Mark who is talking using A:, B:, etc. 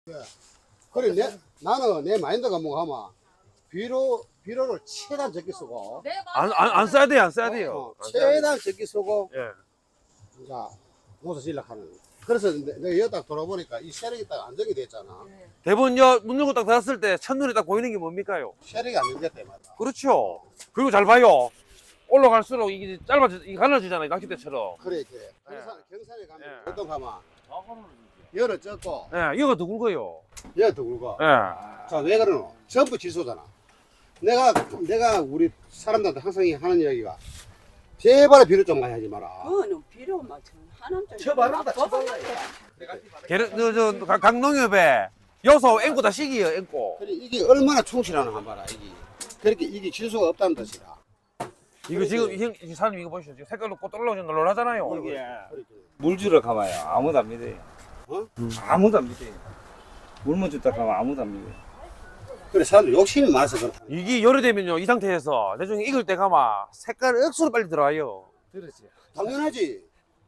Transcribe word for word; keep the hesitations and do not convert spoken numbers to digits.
A: 그래, 내, 나는 내 마인드가 뭐가 하면 비료, 비료를 최대한 적게 쓰고,
B: 네,
C: 안, 안, 안 써야 돼요, 안 써야 돼요.
A: 어,
C: 안 써야 돼요.
A: 최대한 적게 쓰고,
C: 예.
A: 자, 농사 지으려고 하는. 그래서 내- 내가 여기 딱 돌아보니까 이 세력이 딱 안정이 됐잖아.
C: 대본 여문 열고 딱 닫았을 때 첫눈에 딱 보이는 게 뭡니까요?
A: 세력이 안정됐다, 이 말이야.
C: 그렇죠. 그리고 잘 봐요. 올라갈수록 이게 짧아지, 이게 갈라지잖아요, 낚싯대처럼.
A: 그래, 그래. 경산, 경산에 가면,
C: 예.
A: 어떤 가면, 열을 쪘고,
C: 예, 이거 더 굵어요.
A: 열더 굵어.
C: 예.
A: 자, 왜 그러노? 전부 질소잖아. 내가, 내가 우리 사람들한테 항상 하는 이야기가, 제발 비료 좀 많이 하지 마라.
B: 그거는 필요 맞죠. 하남자.
D: 쳐발른다, 쳐발라.
C: 게르, 저, 저, 강- 강농협에 여소 앵고 다 시기요, 앵고.
A: 그래, 이게 얼마나 충실하나 한 봐라, 이게. 그렇게 이게 질소가 없다는 뜻이라.
C: 이거 지금, 형, 이 사장님 이거 보시죠. 지금 색깔로 꽃 올라오죠, 놀라잖아요.
D: 물 주러 가봐요. 아무도 안 믿어요.
A: 어?
D: 아무도 안 믿어요. 물만 줬다 가면 아무도 안 믿어요.
A: 그래, 사람들 욕심이 많아서 그렇다.
C: 이게 열이 되면요, 이 상태에서 나중에 익을 때 가마 색깔 억수로 빨리 들어와요.
D: 그렇지.
A: 당연하지.